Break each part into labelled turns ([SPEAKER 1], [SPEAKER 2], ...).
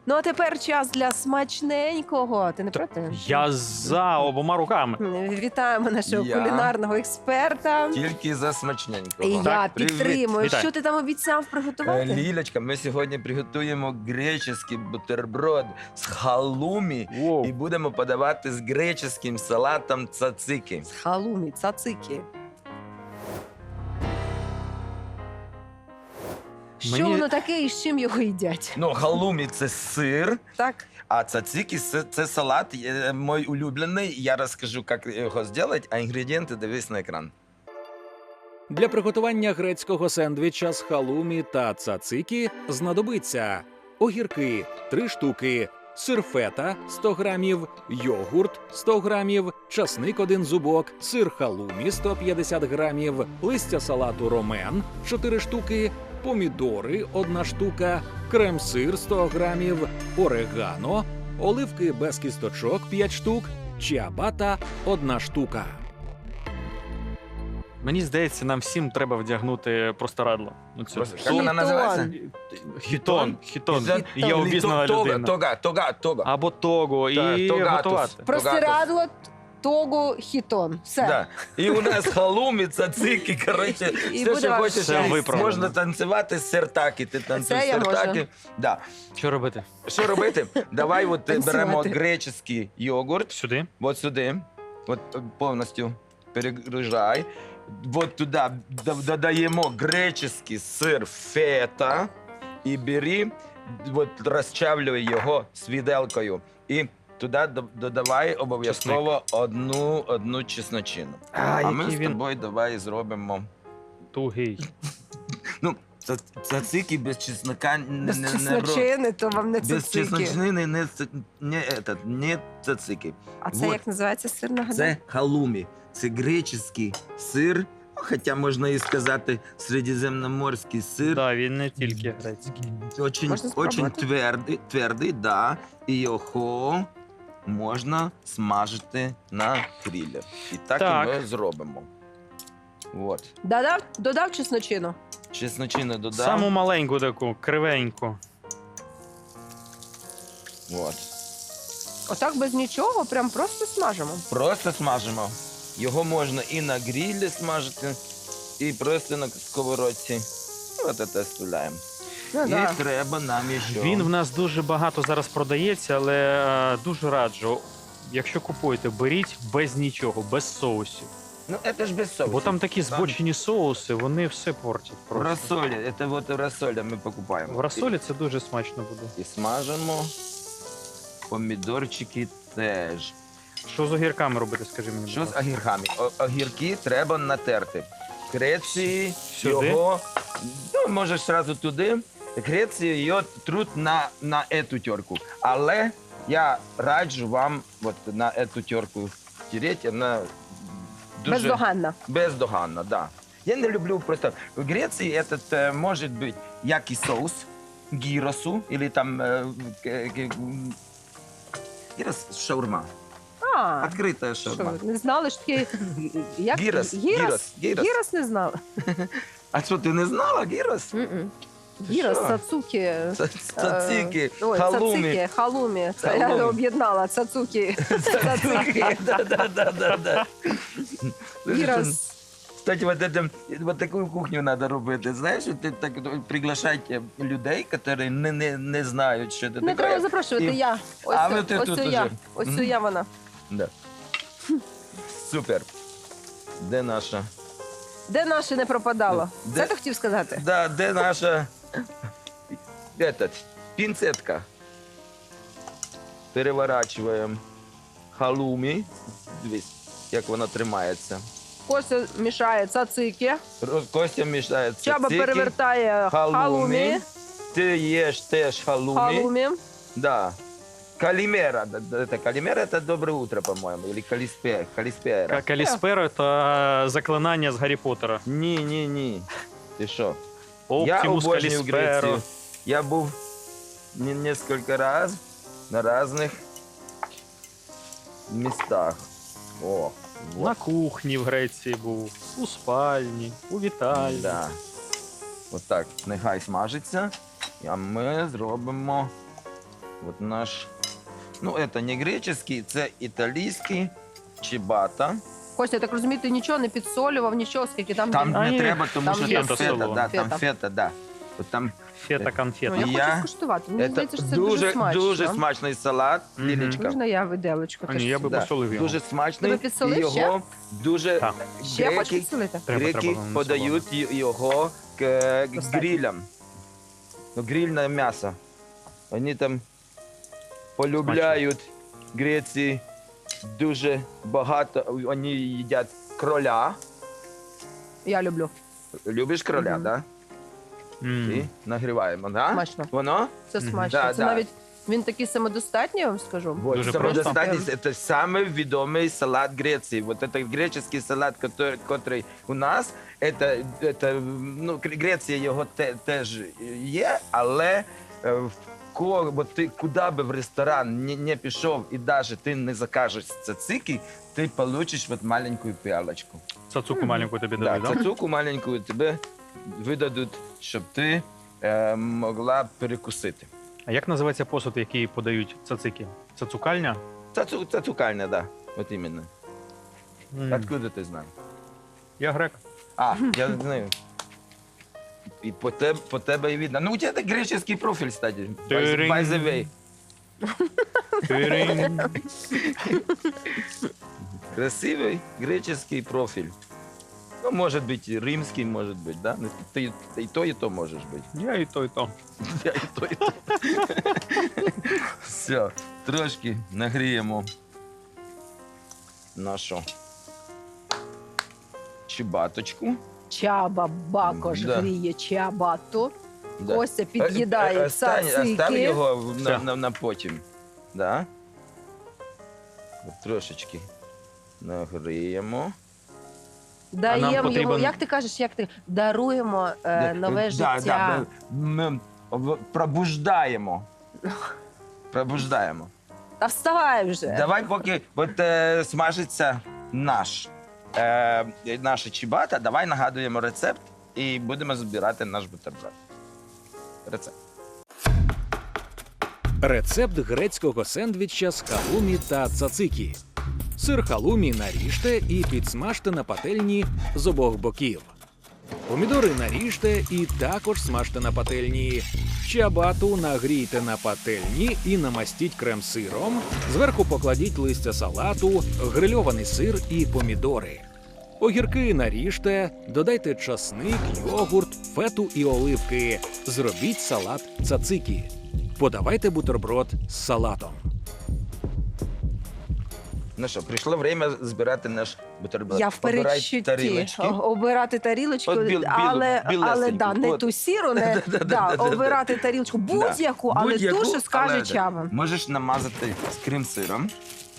[SPEAKER 1] Ну, а тепер час для смачненького. Ти не проти?
[SPEAKER 2] Я за обома руками.
[SPEAKER 1] Вітаємо нашого
[SPEAKER 3] Я.
[SPEAKER 1] кулінарного експерта.
[SPEAKER 3] Тільки за смачненького.
[SPEAKER 1] І я підтримую.
[SPEAKER 2] Вітаю.
[SPEAKER 1] Що ти там обіцяв приготувати?
[SPEAKER 3] Лілечка, ми сьогодні приготуємо греческий бутерброд з халумі
[SPEAKER 2] Воу.
[SPEAKER 3] і будемо подавати з греческим салатом цацики.
[SPEAKER 1] Халумі, цацики. Що
[SPEAKER 2] Мені-
[SPEAKER 1] воно таке і з чим його їдять?
[SPEAKER 3] Ну, халумі – це сир,
[SPEAKER 1] Так?
[SPEAKER 3] а цацики – це салат мій улюблений. Я розкажу, як його зробити, а інгредієнти дивись на екран.
[SPEAKER 4] Для приготування грецького сендвіча з халумі та цацикі знадобиться огірки 3 штуки, сир фета 100 грамів, йогурт 100 грамів, часник 1 зубок, сир халумі 150 грамів, листя салату ромен 4 штуки, помідори 1 штука, крем-сир 100 грамів, орегано, оливки без кісточок 5 штук, чіабата 1 штука.
[SPEAKER 2] Мені здається, нам всім треба вдягнути простирадло. Ну, цю
[SPEAKER 3] Просто,
[SPEAKER 2] штуку.
[SPEAKER 3] як вона називається?
[SPEAKER 2] Хітон. Хітон.
[SPEAKER 3] Хітон.
[SPEAKER 2] Я обізнана людина.
[SPEAKER 3] Тога.
[SPEAKER 2] Або того.
[SPEAKER 3] Так,
[SPEAKER 2] І
[SPEAKER 3] тогатус.
[SPEAKER 2] готувати.
[SPEAKER 1] Простирадло, тогу, хітон. Все.
[SPEAKER 3] Да. І у нас халумі, цацики, коротше,
[SPEAKER 1] І
[SPEAKER 3] все,
[SPEAKER 1] буде
[SPEAKER 3] що
[SPEAKER 1] вам
[SPEAKER 3] хочеш.
[SPEAKER 2] Все виправлено.
[SPEAKER 3] Можна танцювати сертаки. Ти танцюєш
[SPEAKER 1] Це я можу.
[SPEAKER 3] сертаки. Да.
[SPEAKER 2] Що робити?
[SPEAKER 3] Що робити? Давай от
[SPEAKER 1] Танцювати.
[SPEAKER 3] беремо греческий йогурт,
[SPEAKER 2] Сюди.
[SPEAKER 3] от сюди, от повністю перегружай. От туди додаємо греческий сир фета і бери, от розчавлюй його з виделкою. І туди додавай обов'язково одну чесночину. А ми
[SPEAKER 2] який
[SPEAKER 3] з
[SPEAKER 2] він
[SPEAKER 3] тобою давай зробимо.
[SPEAKER 2] тугий.
[SPEAKER 3] Ну, цацики без чеснока
[SPEAKER 1] Без чесночини, то вам не
[SPEAKER 3] без
[SPEAKER 1] цицики.
[SPEAKER 3] чесночини не цацики.
[SPEAKER 1] А це
[SPEAKER 3] Вот.
[SPEAKER 1] як називається сир, нагадай?
[SPEAKER 3] Це халумі. Це греческий сир, ну, хоча можна і сказати середземноморський сир.
[SPEAKER 2] Так, він не тільки грецький.
[SPEAKER 3] Очень,
[SPEAKER 1] Можна
[SPEAKER 3] очень
[SPEAKER 1] спробувати?
[SPEAKER 3] твердий, да. І його можна смажити на грилі. І так,
[SPEAKER 2] Так.
[SPEAKER 3] і ми зробимо. От.
[SPEAKER 1] Додав чесночину.
[SPEAKER 3] Чесночину додам.
[SPEAKER 2] Саму маленьку таку, кривеньку.
[SPEAKER 3] От.
[SPEAKER 1] Отак без нічого, прям просто смажимо.
[SPEAKER 3] Просто смажимо. Його можна і на грилі смажити, і просто на сковородці. От це оставляємо.
[SPEAKER 1] Ну,
[SPEAKER 3] І
[SPEAKER 1] да.
[SPEAKER 3] треба нам ще.
[SPEAKER 2] Він в нас дуже багато зараз продається, але дуже раджу. Якщо купуєте, беріть без нічого, без соусів.
[SPEAKER 3] Ну, це ж без соусу.
[SPEAKER 2] Бо там такі збочені соуси, вони все портять
[SPEAKER 3] В
[SPEAKER 2] просто.
[SPEAKER 3] розсолі. Це от в розсолі ми покупаємо.
[SPEAKER 2] В розсолі це дуже смачно буде.
[SPEAKER 3] І смажимо. Помідорчики теж.
[SPEAKER 2] Що з огірками робити, скажи мені.
[SPEAKER 3] Що
[SPEAKER 2] будь
[SPEAKER 3] з
[SPEAKER 2] ласка?
[SPEAKER 3] огірками? Огірки треба натерти. Греції
[SPEAKER 2] Сюди?
[SPEAKER 3] його, ну, можеш одразу туди. Греції його труть на ету терку. Але я раджу вам от на ету терку тереть, вона дуже
[SPEAKER 1] Бездоганна.
[SPEAKER 3] бездоганна, да. Я не люблю просто. В Греції этот може бути як і соус гіросу, або там гірос шаурма.
[SPEAKER 1] А,
[SPEAKER 3] Відкрита шаурма.
[SPEAKER 1] що, не знали, що таке... Як?
[SPEAKER 3] Гірос,
[SPEAKER 1] Гірос?
[SPEAKER 3] гірос.
[SPEAKER 1] Гірос не знала.
[SPEAKER 3] А що, ти не знала гірос?
[SPEAKER 1] М-м.
[SPEAKER 3] Ти
[SPEAKER 1] Гірос,
[SPEAKER 3] що?
[SPEAKER 1] цацуки.
[SPEAKER 3] Цацики,
[SPEAKER 1] Ой,
[SPEAKER 3] халумі.
[SPEAKER 1] цацики, халумі. Це я
[SPEAKER 3] Халумі.
[SPEAKER 1] об'єднала. Цацуки.
[SPEAKER 3] Цацики, да.
[SPEAKER 1] Гірос.
[SPEAKER 3] Кстати, вот таку кухню треба робити. Знаєш, ти так приглашати людей, які не знають, що це
[SPEAKER 1] Не треба
[SPEAKER 3] таке.
[SPEAKER 1] запрошувати,
[SPEAKER 3] І-
[SPEAKER 1] я. Ось,
[SPEAKER 3] А ви ти
[SPEAKER 1] ось
[SPEAKER 3] тут
[SPEAKER 1] це я.
[SPEAKER 3] уже.
[SPEAKER 1] Ось
[SPEAKER 3] Мгм.
[SPEAKER 1] це я вона.
[SPEAKER 3] Да. Супер. Де наша?
[SPEAKER 1] Де наше не пропадало?
[SPEAKER 3] Де-
[SPEAKER 1] Це ти хотів сказати?
[SPEAKER 3] Да, де наша пінцетка? Переворачуємо халумі. Дивись, як вона тримається.
[SPEAKER 1] Костя мішає цацики.
[SPEAKER 3] Костя мішає
[SPEAKER 1] Чаба
[SPEAKER 3] цацики,
[SPEAKER 1] перевертає халумі.
[SPEAKER 3] Ти їш теж халумі. Да. Калімера. Калімера – це добре утро, по-моєму. Или каліспера.
[SPEAKER 2] Каліспера – це заклинання з Гаррі Поттера.
[SPEAKER 3] Ні. Ти що?
[SPEAKER 2] Оптимус
[SPEAKER 3] обожнюю
[SPEAKER 2] Калісперо.
[SPEAKER 3] Грецію. Я був несколько раз на разных местах. О,
[SPEAKER 2] На
[SPEAKER 3] вот.
[SPEAKER 2] кухні в Греції був, у спальні, у вітальні.
[SPEAKER 3] Да. От так, нехай смажиться. А ми зробимо От наш. Ну, це не греческий, це італійський чибата.
[SPEAKER 1] Костя, я так розумію, ти нічого не підсолював, нічого, скільки там...
[SPEAKER 3] Там
[SPEAKER 2] А,
[SPEAKER 3] не
[SPEAKER 2] ні.
[SPEAKER 3] треба, тому
[SPEAKER 1] Там
[SPEAKER 3] що
[SPEAKER 1] є
[SPEAKER 3] там
[SPEAKER 2] фета
[SPEAKER 3] фета, да, там
[SPEAKER 1] фета.
[SPEAKER 3] фета, да. От там
[SPEAKER 2] Фета конфета.
[SPEAKER 1] Ну, я
[SPEAKER 3] Я-
[SPEAKER 1] хочу скуштувати. Мені
[SPEAKER 3] це
[SPEAKER 1] здається, що це дуже смачно.
[SPEAKER 3] дуже смачний салат,
[SPEAKER 2] Мгм.
[SPEAKER 3] Лілічка.
[SPEAKER 1] Можна я виделочку?
[SPEAKER 2] А ні, я би
[SPEAKER 3] Да,
[SPEAKER 2] посолив його.
[SPEAKER 3] дуже смачний.
[SPEAKER 1] Тебе підсолив
[SPEAKER 3] і його дуже
[SPEAKER 2] Так.
[SPEAKER 1] Ще хочеш
[SPEAKER 3] греки,
[SPEAKER 1] підсолити?
[SPEAKER 2] Треба,
[SPEAKER 3] греки
[SPEAKER 2] треба, не
[SPEAKER 3] подають його к
[SPEAKER 1] Достатньо.
[SPEAKER 3] грилям. Ну, грильне м'ясо. Вони там полюбляють Греції дуже багато. Вони їдять кроля.
[SPEAKER 1] Я люблю.
[SPEAKER 3] Любиш кроля,
[SPEAKER 1] Мгм.
[SPEAKER 3] да?
[SPEAKER 2] М.
[SPEAKER 3] І нагріваємо, да?
[SPEAKER 1] Смачно.
[SPEAKER 3] Воно?
[SPEAKER 1] Це
[SPEAKER 2] Мгм.
[SPEAKER 1] смачно.
[SPEAKER 3] Да,
[SPEAKER 1] Це
[SPEAKER 3] да.
[SPEAKER 1] навіть він такий самодостатній, я вам скажу.
[SPEAKER 3] Вот,
[SPEAKER 2] Дуже
[SPEAKER 3] самодостатність – це самий відомий салат Греції. Вот это греческий салат, який у нас, ну, Греція його теж є, але бо ти куди би в ресторан не пішов і навіть ти не закажеш цацики, ти получиш от маленьку піалочку.
[SPEAKER 2] Цацуку маленьку тобі
[SPEAKER 3] Да,
[SPEAKER 2] дали, да?
[SPEAKER 3] цацуку маленьку тебе видадуть, щоб ти могла перекусити.
[SPEAKER 2] А як називається посуд, який подають цацики? Цацукальня?
[SPEAKER 3] Цацукальня, да, от іменно.
[SPEAKER 2] М.
[SPEAKER 3] Откуда ти знаєш?
[SPEAKER 2] Я грек.
[SPEAKER 3] А, я знаю. І по тебе і видно. Ну, у тебе греческий профіль, кстати.
[SPEAKER 2] Тиринь.
[SPEAKER 3] By the way.
[SPEAKER 2] Тиринь.
[SPEAKER 3] Красивий греческий профіль. Ну, може бути, і римський, може бути, да? Ти і то можеш бути.
[SPEAKER 2] Я і то, і то.
[SPEAKER 3] Я і то, і то. Все, трошки нагріємо нашу чебаточку.
[SPEAKER 1] Чаба бакош
[SPEAKER 3] Да.
[SPEAKER 1] гріє чабату.
[SPEAKER 3] Да.
[SPEAKER 1] Костя під'їдає
[SPEAKER 3] Остав
[SPEAKER 1] цацики.
[SPEAKER 3] його
[SPEAKER 2] Все.
[SPEAKER 3] на потім. Да? От трошечки нагріємо.
[SPEAKER 1] Даємо його,
[SPEAKER 2] потрібен-
[SPEAKER 1] як ти кажеш, як ти даруємо нове життя.
[SPEAKER 3] Да, ми пробуждаємо. Пробуждаємо.
[SPEAKER 1] Та вставай вже.
[SPEAKER 3] Давай, поки от, смажиться наша чибата, давай нагадуємо рецепт і будемо збирати наш бутерброд. Рецепт.
[SPEAKER 4] Рецепт грецького сендвіча з халумі та цацикі. Сир халумі наріжте і підсмажте на пательні з обох боків. Помідори наріжте і також смажте на пательні. Чабату нагрійте на пательні і намастіть крем-сиром. Зверху покладіть листя салату, грильований сир і помідори. Огірки наріжте, додайте часник, йогурт, фету і оливки. Зробіть салат цацикі. Подавайте бутерброд з салатом.
[SPEAKER 3] Ну що, прийшло время збирати наш бутерброд.
[SPEAKER 1] Я в
[SPEAKER 3] Обирай
[SPEAKER 1] передчутті.
[SPEAKER 3] тарілочки.
[SPEAKER 1] Обирати тарілочку,
[SPEAKER 3] От
[SPEAKER 1] але
[SPEAKER 3] білесеньку.
[SPEAKER 1] да, не
[SPEAKER 3] От.
[SPEAKER 1] ту сіру, не обирати тарілочку будь-яку, але
[SPEAKER 3] Будь-яку,
[SPEAKER 1] ту, що скаже
[SPEAKER 3] але
[SPEAKER 1] Чаба.
[SPEAKER 3] Можеш намазати з крем-сиром.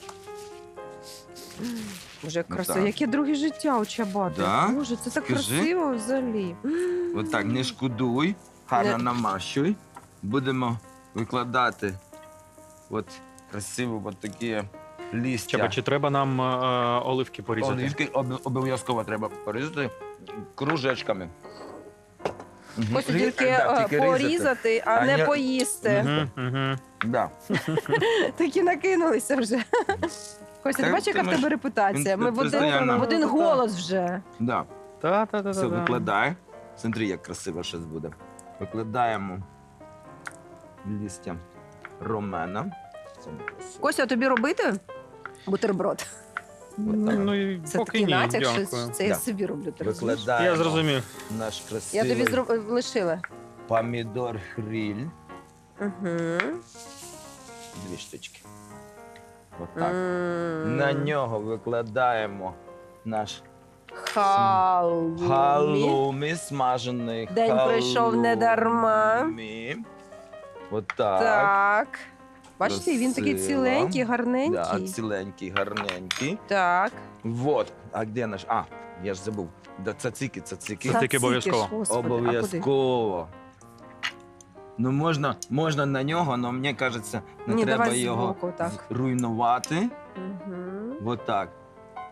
[SPEAKER 1] Боже, краса,
[SPEAKER 3] так.
[SPEAKER 1] яке друге життя у Чабати.
[SPEAKER 3] Да?
[SPEAKER 1] Боже, це так
[SPEAKER 3] Скажи.
[SPEAKER 1] красиво взагалі.
[SPEAKER 3] От так, не шкодуй, гарно
[SPEAKER 1] Не-
[SPEAKER 3] намащуй. Будемо викладати от красиво от такі листя.
[SPEAKER 2] Чаба, чи треба нам оливки порізати?
[SPEAKER 3] Оливки обов'язково треба порізати кружечками. Мгм.
[SPEAKER 1] Хочу
[SPEAKER 3] Рі-
[SPEAKER 1] тільки
[SPEAKER 3] да, тільки різати.
[SPEAKER 1] порізати, а
[SPEAKER 3] А
[SPEAKER 1] не
[SPEAKER 3] не-
[SPEAKER 1] поїсти.
[SPEAKER 2] Угу, угу.
[SPEAKER 3] Да.
[SPEAKER 1] Такі накинулися вже. Костя, ти
[SPEAKER 3] Так,
[SPEAKER 1] бачиш, яка
[SPEAKER 3] ти
[SPEAKER 1] в
[SPEAKER 3] можеш-
[SPEAKER 1] тебе репутація? Ми в
[SPEAKER 3] Постійно.
[SPEAKER 1] один голос вже.
[SPEAKER 3] Да.
[SPEAKER 2] Та.
[SPEAKER 3] Все, викладай. Смотри, як красиво щось буде. Викладаємо листя ромена. Це буде красиво.
[SPEAKER 1] Костя, а тобі робити бутерброд?
[SPEAKER 3] Отак.
[SPEAKER 2] Ну, і
[SPEAKER 1] Це
[SPEAKER 2] поки
[SPEAKER 1] такий
[SPEAKER 2] ні,
[SPEAKER 1] натяк, що
[SPEAKER 2] дякую.
[SPEAKER 1] це я
[SPEAKER 3] Да.
[SPEAKER 1] собі роблю. Ти розумієш?
[SPEAKER 3] Викладаємо
[SPEAKER 2] Я зрозумів.
[SPEAKER 3] наш
[SPEAKER 1] Я
[SPEAKER 3] красивий
[SPEAKER 1] тобі лишила.
[SPEAKER 3] помідор гриль.
[SPEAKER 1] Угу.
[SPEAKER 3] 2 штучки. Отак. На нього викладаємо наш
[SPEAKER 1] Халумі.
[SPEAKER 3] халумі, смажений
[SPEAKER 1] День пройшов не дарма.
[SPEAKER 3] халумі. Отак.
[SPEAKER 1] Так. Бачите, він такий
[SPEAKER 3] Красиво.
[SPEAKER 1] ціленький,
[SPEAKER 3] Да,
[SPEAKER 1] гарненький.
[SPEAKER 3] ціленький, гарненький.
[SPEAKER 1] Так.
[SPEAKER 3] Вот. А де наш? А, я ж забув. Да, цацики.
[SPEAKER 2] Цацики обов'язково.
[SPEAKER 1] ж, Господи, а куди?
[SPEAKER 3] Обов'язково. Ну, можна на нього, але мені кажеться, не
[SPEAKER 1] Ні,
[SPEAKER 3] треба
[SPEAKER 1] давай
[SPEAKER 3] його
[SPEAKER 1] збоку, так.
[SPEAKER 3] руйнувати.
[SPEAKER 1] Угу.
[SPEAKER 3] Вот так.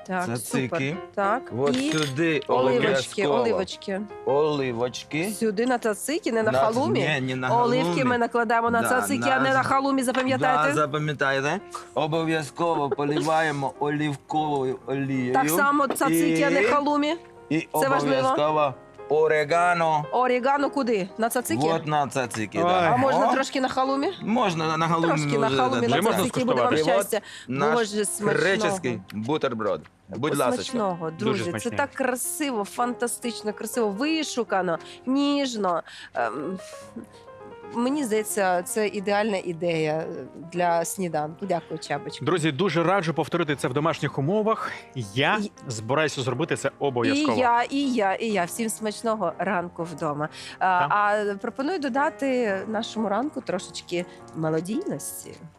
[SPEAKER 1] Так,
[SPEAKER 3] цацики.
[SPEAKER 1] супер. Так,
[SPEAKER 3] От
[SPEAKER 1] і
[SPEAKER 3] сюди
[SPEAKER 1] оливочки,
[SPEAKER 3] обов'язково
[SPEAKER 1] оливочки.
[SPEAKER 3] оливочки.
[SPEAKER 1] Сюди на цацики, не на халумі.
[SPEAKER 3] Ні, не на халумі.
[SPEAKER 1] Оливки ми накладаємо на
[SPEAKER 3] Да,
[SPEAKER 1] цацики, а не на халумі, запам'ятайте?
[SPEAKER 3] Да, запам'ятайте. Обов'язково поливаємо оливковою олією.
[SPEAKER 1] Так само цацики, а не халумі.
[SPEAKER 3] І
[SPEAKER 1] Це важливо.
[SPEAKER 3] обов'язково орегано.
[SPEAKER 1] Орігано куди? На цацики?
[SPEAKER 3] От на цацики.
[SPEAKER 2] Ой.
[SPEAKER 3] Да.
[SPEAKER 1] А можна
[SPEAKER 3] О,
[SPEAKER 1] трошки на халумі?
[SPEAKER 3] Можна на халумі.
[SPEAKER 1] Трошки на халумі,
[SPEAKER 2] Вже
[SPEAKER 1] на
[SPEAKER 2] можна
[SPEAKER 1] цацики, буде вам
[SPEAKER 2] скуштувати?
[SPEAKER 1] щастя.
[SPEAKER 3] Наш
[SPEAKER 1] Боже, смачного.
[SPEAKER 3] греческий бутерброд. Будь ласка.
[SPEAKER 1] Смачного,
[SPEAKER 2] Дуже
[SPEAKER 1] друзі. Це
[SPEAKER 2] смачний.
[SPEAKER 1] так красиво, фантастично, красиво, вишукано, ніжно. Мені здається, це ідеальна ідея для сніданку. Дякую, Чабочка.
[SPEAKER 2] Друзі, дуже раджу повторити це в домашніх умовах. Я
[SPEAKER 1] І-
[SPEAKER 2] збираюся зробити це
[SPEAKER 1] І
[SPEAKER 2] обов'язково.
[SPEAKER 1] я. Всім смачного ранку вдома. А пропоную додати нашому ранку трошечки мелодійності.